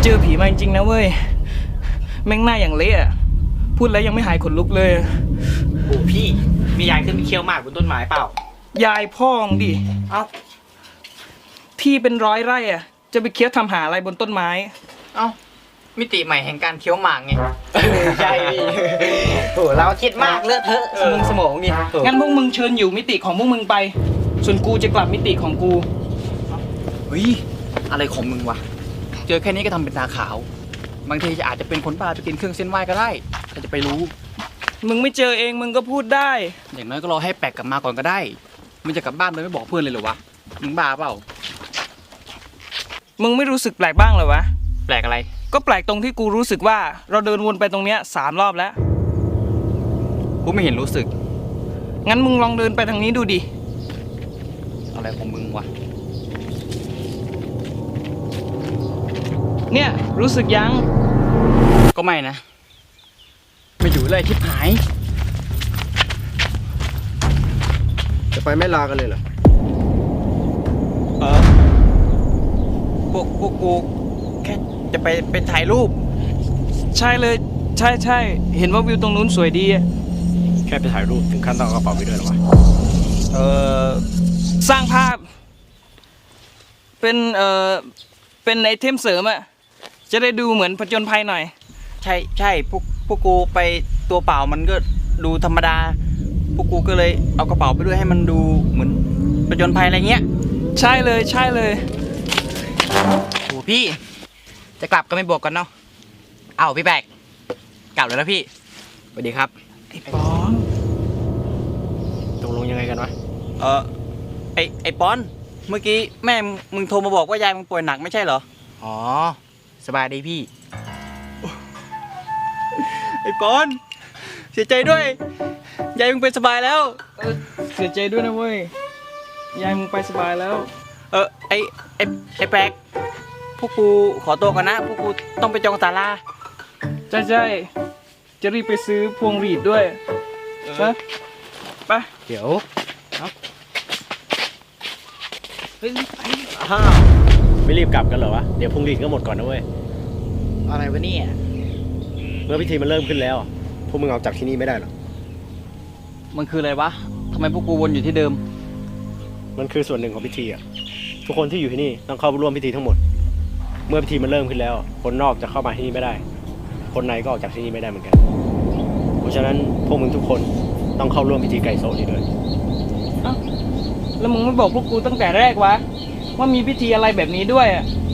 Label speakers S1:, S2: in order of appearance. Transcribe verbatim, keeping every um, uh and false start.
S1: เจอผีมาจริงๆนะเว้ยแม่งหน้าอย่างเละอะพูดแล้วยังไม่หายขนลุกเลย
S2: โอ้พี่มียายขึ้นไปเคี้ยวหมากบนต้นไม้เปล่าย
S1: ายพ่องดิ
S2: เอ้า
S1: ที่เป็นร้อยไร่อะจะไปเคี้ยวทำหาอะไรบนต้นไม้
S2: เอ้ามิติใหม่แห่งการเคี้ยวหมากไงใช่พี่โอ้เราคิดมากเลอะเทอะสมองสมองนี่
S1: งั้นพวกมึงเชิญอยู่มิติของพวกมึงไปส่วนกูจะกลับมิติของกู
S2: เฮ้ยอะไรของมึงวะเจอแค่นี้ก็ทำเป็นตาขาวบางทีอาจจะเป็นคนบ้าไปกินเครื่องเส้นไหว้ก็ได้ใครจะไปรู้
S1: มึงไม่เจอเองมึงก็พูดได้
S2: อย่างน้อยก็รอให้แปลกกลับมาก่อนก็ได้มึงจะกลับบ้านเลยไม่บอกเพื่อนเลยเหรอวะมึงบ้าเปล่า
S1: มึงไม่รู้สึกแปลกบ้างเหรอวะ
S2: แปลกอะไร
S1: ก็แปลกตรงที่กูรู้สึกว่าเราเดินวนไปตรงเนี้ยสามรอบแล้ว
S2: กูไม่เห็นรู้สึก
S1: งั้นมึงลองเดินไปทางนี้ดูดิ
S2: อะไรของมึงวะ
S1: เนี่ยรู้สึกยัง
S2: ก็ไม่นะไม่อยู่เลยทิพหาย
S3: จะไปไม่ลากันเลยเหรอ
S2: เออพวกพวกกูแค่จะไปไปถ่ายรูป
S1: ใช่เลยใช่ใช่เห็นว่าวิวตรงนู้นสวยดี
S3: แค่ไปถ่ายรูปถึงขั้นต้องเอากระเป๋าไปด้วยหรอวะ
S1: เออสร้างภาพเป็นเออเป็นไอเทมเสริมอะจะได้ดูเหมือนผจญภัยหน่อย
S2: ใช่ใช่พวกพวกกูไปตัวเปล่ามันก็ดูธรรมดาพวกกูก็เลยเอากระเป๋าไปด้วยให้มันดูเหมือนผจญภัยอะไรเงี้ย
S1: ใช่เลยใช่เลย
S2: โอ้พี่จะกลับก็ไม่บอกกันเนาะเอาพี่แบกกลับแล้วนะพี่สวัสดีครับ
S1: ไอ้ปอน
S3: ตกลงยังไงกันวะ
S2: เออไอไอปอนเมื่อกี้แม่มึงโทรมาบอกว่ายายมึงป่วยหนักไม่ใช่เหรออ๋อสบายดีพี่ไอปอนเสียใจด้วยยายมึงเป็นสบายแล้ว
S1: เออเสียใจด้วยนะเว้ยยายมึงไปสบายแล้ว
S2: เออไอไอไอแปลกพวกกูขอตัวก่อนนะพวกกูต้องไปจองศาลา
S1: ใช่ใช่จะรีบไปซื้อพวงหรีดด้วยนะไป
S3: เดี๋ยว
S2: เฮ้ยไป
S3: อ้าวไม่รีบกลับกันเหรอวะเดี๋ยวพวงหรีดก็หมดก่อนนะเว้ย
S2: อะไรวะเนี่ย
S3: เมื่อพิธีมันเริ่มขึ้นแล้วพวกมึงออกจากที่นี่ไม่ได้หรอ
S2: มันคืออะไรวะทำไมพวกกูวนอยู่ที่เดิม
S3: มันคือส่วนหนึ่งของพิธีอ่ะทุกคนที่อยู่ที่นี่ต้องเข้าร่วมพิธีทั้งหมดเมื่อพิธีมันเริ่มขึ้นแล้วคนนอกจะเข้ามาที่นี่ไม่ได้คนในก็ออกจากที่นี่ไม่ได้เหมือนกันเพราะฉะนั้นพวกมึงทุกคนต้องเข้าร่วมพิธีไก่โซนี้ด้วย
S1: แล้วมึงไม่บอกพวกกูตั้งแต่แรกวะว่ามีพิธีอะไรแบบนี้ด้วยอ่ะ